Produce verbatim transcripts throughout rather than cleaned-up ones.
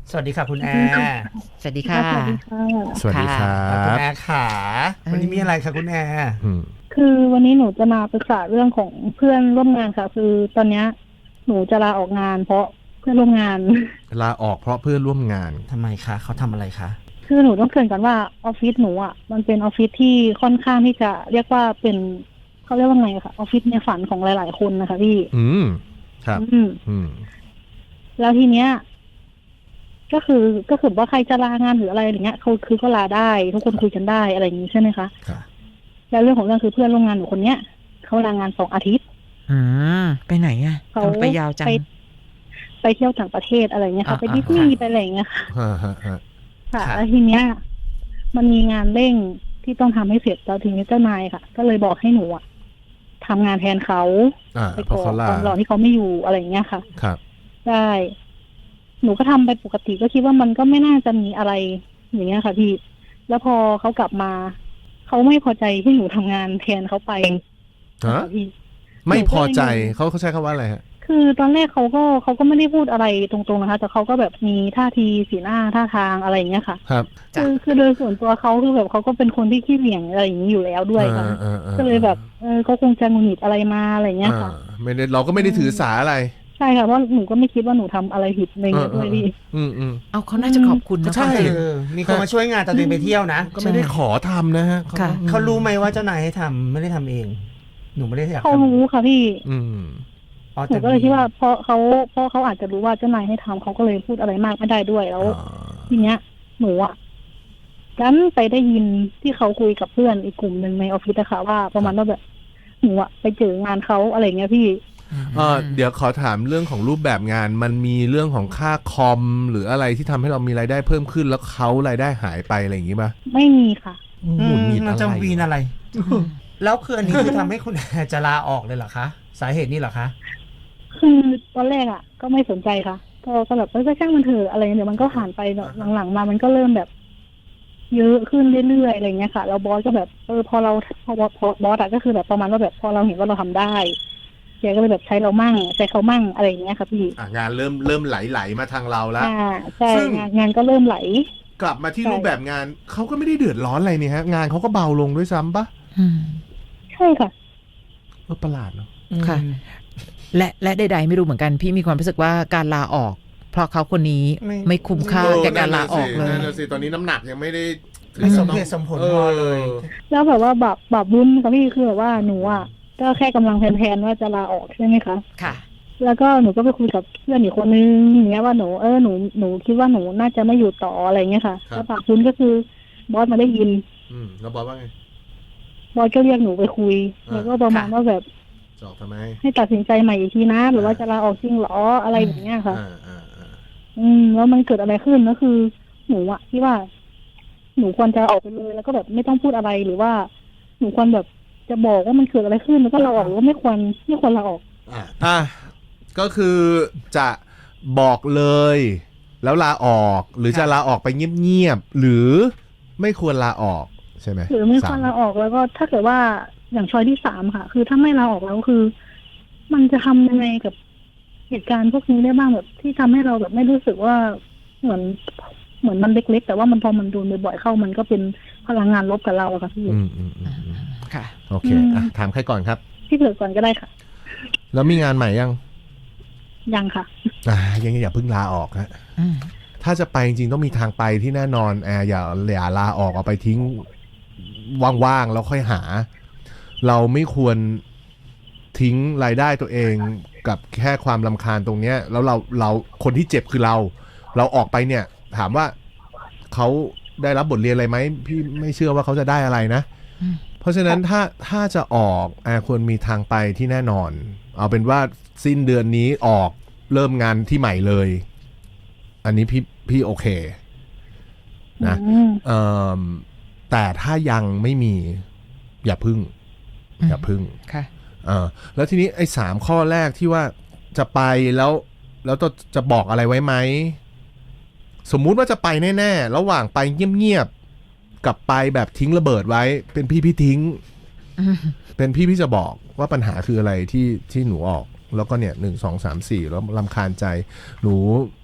สวัสดีค่ะคุณแอร์สวัสดีค่ะสวัสดีค่ะสวัสดีครับคุณแอร์ขาวันนี้มีอะไรคะคุณแอร์คือวันนี้หนูจะมาปรึกษาเรื่องของเพื่อนร่วมงานค่ะคือตอนนี้หนูจะลาออกงานเพราะเพื่อนร่วมงานลาออกเพราะเพื่อนร่วมงานทำไมคะเขาทำอะไรคะคือหนูต้องเกริ่นก่อนว่าออฟฟิศหนูอ่ะมันเป็นออฟฟิศที่ค่อนข้างที่จะเรียกว่าเป็นเขาเรียกว่าไงค่ะออฟฟิศในฝันของหลายๆคนนะคะพี่อืมครับอืมอืมแล้วทีเนี้ยก็คือก็คือว่าใครจะลางานหรืออะไรอย่างเงี้ยเขาคือก็ลาได้ทุกคนคุยกันได้อะไรอย่างนี้ใช่ไหมคะครับแล้วเรื่องของเรื่องคือเพื่อนร่วมงานหนูคนเนี้ยเขาลางานสองอาทิตย์อืมไปไหนอ่ะเขาไปยาวจังไปไปเที่ยวต่างประเทศอะไรเงี้ยค่ะไปดิสนีย์ไปอะไรเงี้ยค่ะค่ะแล้วทีเนี้ยมันมีงานเร่งที่ต้องทำให้เสร็จแล้วทีนี้เจ้านายค่ะก็เลยบอกให้หนูอะทำงานแทนเขาไปก่อนตอนรอที่เขาไม่อยู่อะไรเงี้ยค่ะครับได้หนูก็ทำไปปกติก็คิดว่ามันก็ไม่น่าจะมีอะไรอย่างเงี้ยค่ะพี่แล้วพอเขากลับมาเขาไม่พอใจที่หนูทำงานแทนเขาไปพี่ไม่พอใจเขาเขาใช้คำว่าอะไรฮะคือตอนแรกเขาก็เขาก็ไม่ได้พูดอะไรตรงๆนะคะแต่เขาก็แบบมีท่าทีสีหน้าท่าทางอะไรอย่างเงี้ยค่ะครับคือคือโดยส่วนตัวเขาคือแบบเขาก็เป็นคนที่ขี้เหวี่ยงอะไรอย่างนี้อยู่แล้วด้วยค่ะก็เลยแบบเออเขาคงจะหงุดหงิดอะไรมาอะไรเงี้ยค่ะไม่ได้เราก็ไม่ได้ถือสาอะไรใช่ค่ะเพราะหนูก็ไม่คิดว่าหนูทำอะไรผิดในเงี้ยด้วยพี่อืมอืมเอาเขาน่าจะขอบคุณนะใช่มีคนมาช่วยงานตอนเดินไปเที่ยวนะก็ไม่ได้ขอทำนะฮะเขารู้ไหมว่าเจ้านายให้ทำไม่ได้ทำเองหนูไม่ได้อยากเขารู้ค่ะพี่อืมหนูก็เลยคิดว่าเพราะเขาเพราะเขาอาจจะรู้ว่าเจ้านายให้ทำเขาก็เลยพูดอะไรมากไม่ได้ด้วยแล้วทีเนี้ยหนูอ่ะกันไปได้ยินที่เขาคุยกับเพื่อนอีกกลุ่มหนึ่งในออฟฟิศนะคะว่าประมาณว่าแบบหนูอ่ะไปเจองานเขาอะไรเงี้ยพี่เออเดี๋ยวขอถามเรื่องของรูปแบบงานมันมีเรื่องของค่าคอมหรืออะไรที่ทำให้เรามีรายได้เพิ่มขึ้นแล้วเขารายได้หายไปอะไรอย่างงี้ป่ะไม่มีค่ะหมุนหงิดอะไรจะวีนอะไรแล้วคืออันนี้คือทำให้คุณจะลาออกเลยเหรอคะสาเหตุนี้เหรอคะคือตอนแรกอ่ะก็ไม่สนใจค่ะก็ก็แบบเออช่างมันเถอะอะไรเดี๋ยวมันก็ผ่านไปหลังๆมามันก็เริ่มแบบเยอะขึ้นเรื่อยๆอะไรเงี้ยค่ะแล้วบอสก็แบบเออพอเราพอพอบอสอะก็คือแบบประมาณว่าแบบพอเราเห็นว่าเราทำได้แกก็เลยแบบใช้เรามั่งใช้เขามั่งอะไรอย่างเงี้ยค่ะพี่งานเริ่มเริ่มไหลๆมาทางเราแล้วใช่งานงานก็เริ่มไหลกลับมาที่รูปแบบงานเขาก็ไม่ได้เดือดร้อนอะไรนี่ฮะงานเขาก็เบาลงด้วยซ้ำปะใช่ค่ะเออประหลาดเนาะค่ะและและใดๆไม่รู้เหมือนกันพี่มีความรู้สึกว่าการลาออกเพราะเขาคนนี้ไม่คุ้มค่าแก่การลาออกเลยนั่นสิตอนนี้น้ำหนักยังไม่ได้ไม่สมเหตุสมผลพอเลยแล้วแบบว่าแบบแบบบุญค่ะพี่คือแบบว่าหนูอ่ะก็แค่กำลังแพลนๆว่าจะลาออกใช่ไหมคะค่ะแล้วก็หนูก็ไปคุยกับเพื่อนอีกคนนึงอย่างเงี้ยว่าหนูเออหนูหนูคิดว่าหนูน่าจะไม่อยู่ต่ออะไรเงี้ยค่ะแล้วปากบุญก็คือบอสมาได้ยินอืมแล้วบอสว่าไงบอสก็เรียกหนูไปคุยแล้วก็ประมาณว่าแบบจอกทำไมให้ตัดสินใจใหม่อีกทีนะหรือว่าจะลาออกจริงหรออะไรแบบเนี้ยค่ะอืมแล้วมันเกิดอะไรขึ้นก็คือหนูอะที่ว่าหนูควรจะออกไปเลยแล้วก็แบบไม่ต้องพูดอะไรหรือว่าหนูควรแบบจะบอกว่ามันเกิดอะไรขึ้นแล้วก็ลาออกหรือว่าไม่ควรไม่ควรลาออกอ่ะก็คือจะบอกเลยแล้วลาออกหรือจะลาออกไปเงียบๆหรือไม่ควรลาออกใช่ไหมหรือไม่ควรลาออกแล้วก็ถ้าเกิดว่าอย่างช้อยที่สามค่ะคือถ้าไม่ลาออกแล้วคือมันจะทำยังไงกับเหตุการณ์พวกนี้ได้บ้างแบบที่ทำให้เราแบบไม่รู้สึกว่าเหมือนเหมือนมันเล็กๆแต่ว่ามันพอมันโดนบ่อยๆเข้ามันก็เป็นพลังงานลบกับเราอะค่ะพี่อืมอืมค่ะโอเคอ่ะถามใครก่อนครับพี่เผือกก่อนก็ได้ค่ะแล้วมีงานใหม่ยังยังค่ะอ่ายังอย่าเพิ่งลาออกฮะถ้าจะไปจริงๆต้องมีทางไปที่แน่นอนแอร์อย่าอย่าลาออกเอาไปทิ้งว่างๆแล้วค่อยหาเราไม่ควรทิ้งรายได้ตัวเองกับแค่ความรำคาญตรงเนี้ยแล้วเราเราคนที่เจ็บคือเราเราออกไปเนี่ยถามว่าเขาได้รับบทเรียนอะไรไหมพี่ไม่เชื่อว่าเขาจะได้อะไรนะเพราะฉะนั้นถ้าถ้าจะออกแอร์ควรมีทางไปที่แน่นอนเอาเป็นว่าสิ้นเดือนนี้ออกเริ่มงานที่ใหม่เลยอันนี้พี่พี่โอเคนะเอ่อแต่ถ้ายังไม่มีอย่าพึ่งอย่าพึ่งค่ะเออแล้วทีนี้ไอ้สามข้อแรกที่ว่าจะไปแล้วแล้วจะจะบอกอะไรไว้ไหมสมมุติว่าจะไปแน่ๆระหว่างไปเงียบๆกับไปแบบทิ้งระเบิดไว้เป็นพี่พี่ทิ้งเป็นพี่พี่จะบอกว่าปัญหาคืออะไรที่ที่หนูออกแล้วก็เนี่ยหนึ่งสองสามสี่แล้วรำคาญใจหนู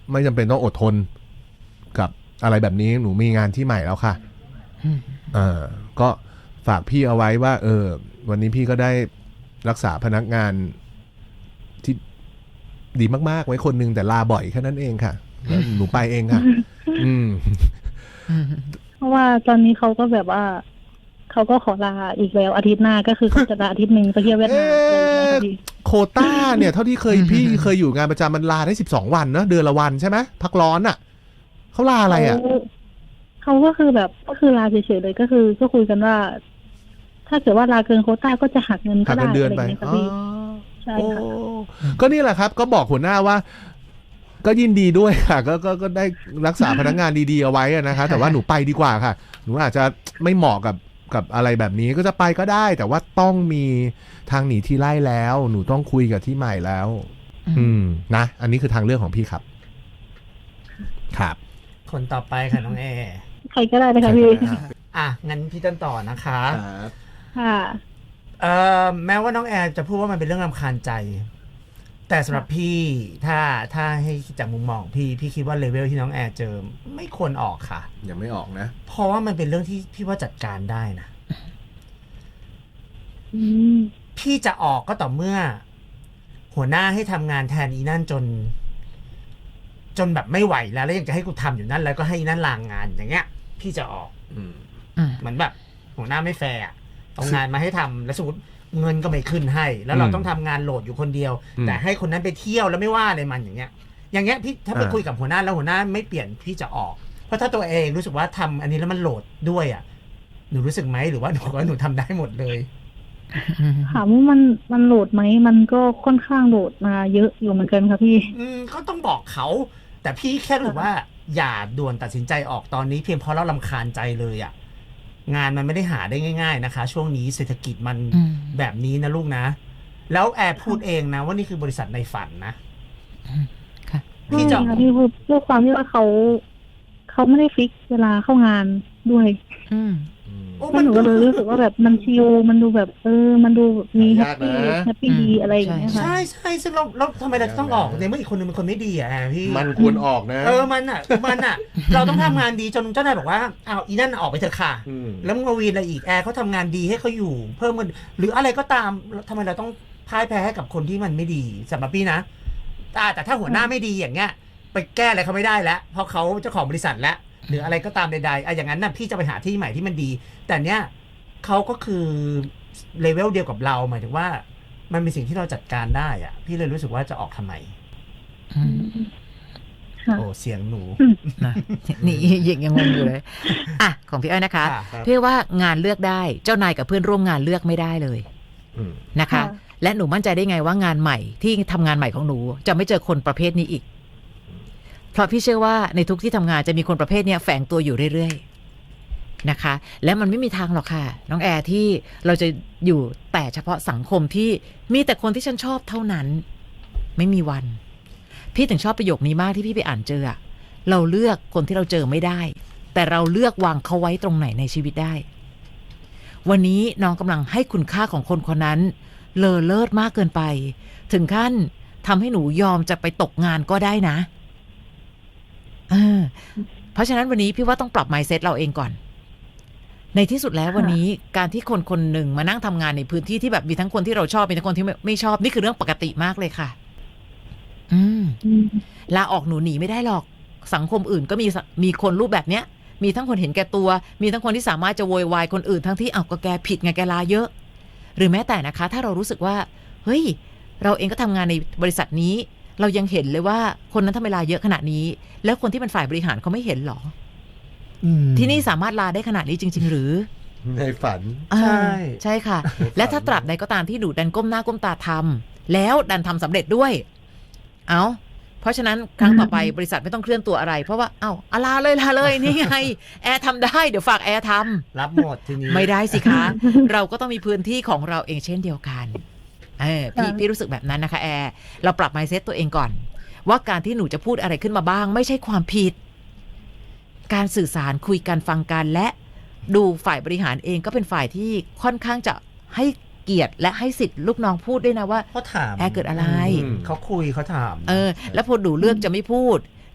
ไม่จำเป็นต้องอดทนกับอะไรแบบนี้หนูมีงานที่ใหม่แล้วค่ะอืมเออก็ฝากพี่เอาไว้ว่า เออ วันนี้พี่ก็ได้รักษาพนักงานที่ดีมากๆไว้คนหนึ่งแต่ลาบ่อยแค่นั้นเองค่ะแล้วหนูไปเองค่ะ อืมอืมเพราะว่าตอนนี้เขาก็แบบว่าเขาก็ขอลาอีกแล้วอาทิตย์หน้าก็คือเขาจะลาอาทิตย์หนึ่งไปเที่ยวเวียดนามอะไรอย่างเงี้ยค่ะพี่โควต้าเนี่ยเท่าที่เคยพี่เคยอยู่งานประจำมันลาได้สิบสองวันเนอะเดือนละวันใช่ไหมพักร้อนอ่ะเขาลาอะไรอ่ะเขาเขาก็คือแบบก็คือลาเฉยๆเลยก็คือก็คุยกันว่า ถ้าเกิดว่าลาเกินโควต้าก็จะหักเงินก็หักได้เงินเดือนอะไรไปอย่างเงี้ยค่ะอ๋อพี่ใช่โอ้ค่ะก็นี่แหละครับ ก็บอกหัวหน้าว่า ก็ยินดีด้วยค่ะ ก็ก็ก็ได้รักษาพนักงานดีๆเอาไว้อะนะคะแต่ว่าหนูไปดีกว่าค่ะ หนูอาจจะไม่เหมาะกับกับอะไรแบบนี้ก็จะไปก็ได้ แต่ว่าต้องมีทางหนีที่ไล่แล้ว หนูต้องคุยกับที่ใหม่แล้ว อืมนะ อันนี้คือทางเลือกของพี่ครับ ครับคนต่อไปค่ะน้องแอร์ใครก็ได้เลยค่ะพี่อ่ะงั้นพี่ต้นต่อนะคะค่ะเอ่อแม้ว่าน้องแอร์จะพูดว่ามันเป็นเรื่องรำคาญใจ แต่สำหรับพี่ถ้าถ้าให้จากมุมมองพี่พี่คิดว่าเลเวลที่น้องแอร์เจอไม่ควรออกค่ะยังไม่ออกนะเพราะว่ามันเป็นเรื่องที่พี่ว่าจัดการได้นะอืมพี่จะออกก็ต่อเมื่อ หัวหน้าให้ทำงานแทนอีนั่นจน จนแบบไม่ไหวแล้วแล้วยังจะให้กูทำอยู่นั่นแล้วก็ให้อีนั่นลางงานอย่างเงี้ย พี่จะออกอืมอืมเหมือนแบบ หัวหน้าไม่แฟร์อะเอางานมาให้ทำแล้วสมมติเงินก็ไม่ขึ้นให้ แล้วเราอืมต้องทำงานโหลดอยู่คนเดียวอืมแต่ให้คนนั้นไปเที่ยวแล้วไม่ว่าอะไรมันอย่างเงี้ย อย่างเงี้ยพี่ถ้าไปอ่าคุยกับหัวหน้าแล้วหัวหน้าไม่เปลี่ยนพี่จะออก เพราะถ้าตัวเองรู้สึกว่าทำอันนี้แล้วมันโหลดด้วยอ่ะหนูรู้สึกไหมหรือว่าหนูว่าหนูทำได้หมดเลยถามว่ามันมันโหลดไหมมันก็ค่อนข้างโหลดมาเยอะอยู่เหมือนกันค่ะพี่อืมก็ต้องบอกเขา แต่พี่แค่รู้สึกว่า อย่าด่วนตัดสินใจออกตอนนี้เพียงเพราะเราลำคาญใจเลยอ่ะ งานมันไม่ได้หาได้ง่าย ๆนะคะ ช่วงนี้เศรษฐกิจมันอืมแบบนี้นะลูกนะ แล้วแอร์พูดเองนะว่านี่คือบริษัทในฝันนะค่ะพี่จะใช่ค่ะพี่พูดด้วยความที่ว่าเขาเขาไม่ได้ฟิกเวลาเข้างานด้วยอืมโอ้แล้วหนูก็เลยรู้สึกว่าแบบมันชิลมันดูแบบเออ มันดูมีแฮหาปยากปี้นะแฮปปี้ดีอืมอะไรอย่างเงี้ยค่ะใช่ใช่ซึ่งเราเราทำไมเราจะต้องออกในเมื่ออีกคนนึงเป็นคนไม่ดีอ่ะแอร์พี่มันควรออกนะเออมันอ่ะมันอ่ะ เราต้องทำงานดีจนเจ้านายบอกว่าอ้าวอีนั่นออกไปเถอะค่ะมแล้วมึงมาวีนอะไรอีกแอร์เขาทำงานดีให้เขาอยู่ เพิ่มเงินหรืออะไรก็ตามแล้วทำไมเราต้องพ่ายแพ้ให้กับคนที่มันไม่ดีสำหรับพี่นะอ่าแต่ถ้าหัวหน้าไม่ดีอย่างเงี้ย ไปแก้อะไรเขาไม่ได้แล้ว เพราะเขาเจ้าของบริษัทแล้วหรืออะไรก็ตามใดๆอ่ะอย่างนั้นน่ะพี่จะไปหาที่ใหม่ที่มันดี แต่เนี้ยเขาก็คือเลเวลเดียวกับเราหมายถึงว่า มันเป็นสิ่งที่เราจัดการได้อ่ะ พี่เลยรู้สึกว่าจะออกทำไมอืมค่ะโอ้เสียงหนูนะนี่ยังยังงงอยู่เลย อ่ะ ของพี่อ้อยนะคะค่ะครับพี่ว่างานเลือกได้เจ้านายกับเพื่อนร่วมงานเลือกไม่ได้เลยอืมนะคะค่ะและหนูมั่นใจได้ไงว่างานใหม่ที่ทำงานใหม่ของหนูจะไม่เจอคนประเภทนี้อีก เพราะพี่เชื่อว่าในทุกที่ทำงานจะมีคนประเภทเนี้ยแฝงตัวอยู่เรื่อยๆนะคะ และมันไม่มีทางหรอกค่ะ น้องแอร์ที่เราจะอยู่แต่เฉพาะสังคมที่มีแต่คนที่ฉันชอบเท่านั้น ไม่มีวัน พี่ถึงชอบประโยคนี้มากที่พี่ไปอ่านเจออะเราเลือกคนที่เราเจอไม่ได้ แต่เราเลือกวางเขาไว้ตรงไหนในชีวิตได้ วันนี้น้องกำลังให้คุณค่าของคนคนนั้นเลอเลิศมากเกินไป ถึงขั้นทำให้หนูยอมจะไปตกงานก็ได้นะเออเพราะฉะนั้นวันนี้พี่ว่าต้องปรับ mindset เราเองก่อน ในที่สุดแล้ววันนี้การที่คนคนหนึ่งมานั่งทำงานในพื้นที่ที่แบบมีทั้งคนที่เราชอบมีทั้งคนที่ไม่ไม่ชอบนี่คือเรื่องปกติมากเลยค่ะ อืมอืมลาออกหนูหนีไม่ได้หรอกสังคมอื่นก็มีสมีคนรูปแบบเนี้ย มีทั้งคนเห็นแก่ตัว มีทั้งคนที่สามารถจะโวยวายคนอื่นทั้งที่อ้าวก็แกผิดไงแกลาเยอะ หรือแม้แต่นะคะ ถ้าเรารู้สึกว่าเฮ้ยเราเองก็ทำงานในบริษัทนี้ เรายังเห็นเลยว่าคนนั้นทำไมลาเยอะขนาดนี้ แล้วคนที่เป็นฝ่ายบริหารเขาไม่เห็นหรออืมที่นี่สามารถลาได้ขนาดนี้จริง ๆ หรือในฝันใช่อ่าใช่ค่ะ และถ้าตราบใดก็ตามที่หนูดันก้มหน้าก้มตาทำแล้วดันทำสำเร็จด้วย เอาเพราะฉะนั้นครั้งต่อไปบริษัทไม่ต้องเคลื่อนตัวอะไร เพราะว่าเอ้าอาลาเลยลาเลยนี่ไงแอร์ทำได้เดี๋ยวฝากแอร์ทำรับหมดทีนี้ไม่ได้สิคะ เราก็ต้องมีพื้นที่ของเราเองเช่นเดียวกันเออพี่ค่ะพี่รู้สึกแบบนั้นนะคะแอร์เราปรับ mindset ตัวเองก่อน ว่าการที่หนูจะพูดอะไรขึ้นมาบ้าง ไม่ใช่ความผิด การสื่อสารคุยกันฟังกันและดูฝ่ายบริหารเองก็เป็นฝ่ายที่ค่อนข้างจะให้เกียรติและให้สิทธิ์ลูกน้องพูดด้วยนะว่าเขาถามแอร์เกิดอะไรมเขาคุยเขาถามเออ แล้วพอหนูเลือกจะไม่พูด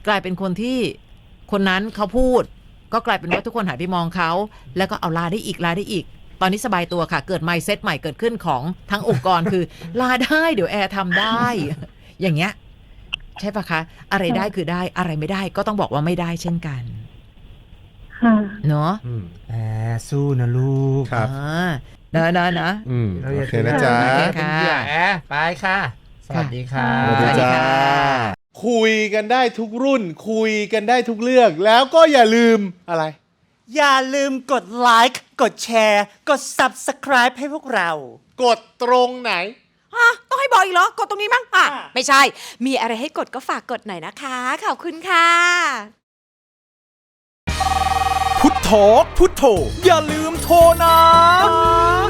กลายเป็นคนที่คนนั้นเขาพูดก็กลายเป็นว่าทุกคนหันไปมองเขาแล้วก็เอาลาได้อีกลาได้อีกตอนนี้สบายตัวค่ะเกิดไมซ์เซ็ตใหม่เกิดขึ้นของทั้งองค์กรคือลาได้เดี๋ยวแอร์ทำได้ อย่างเงี้ยใช่ปะคะอะไรได้คือได้อะไรไม่ได้ก็ต้องบอกว่าไม่ได้เช่นกันค่ะเนาะอืมแอบสู้นะลูกครับอ่านะนะนะอืมเราโออย่าเคนะจ๊ะโอเคเป็นเหยื่อแอบไปค่ะ สวัสดีค่ะสวัสดีสวัสดีจ้าค่ะคุยกันได้ทุกรุ่น คุยกันได้ทุกเรื่อง แล้วก็อย่าลืมอะไรอย่าลืมกดไลค์กดแชร์ กด Subscribe ให้พวกเรากดตรงไหนฮะต้องให้บอกอีกเหรอ กดตรงนี้มั้งอ่ะอ่ะไม่ใช่ มีอะไรให้กดก็ฝากกดหน่อยนะคะ ขอบคุณค่ะพุทโธพุทโธอย่าลืมโทรนะ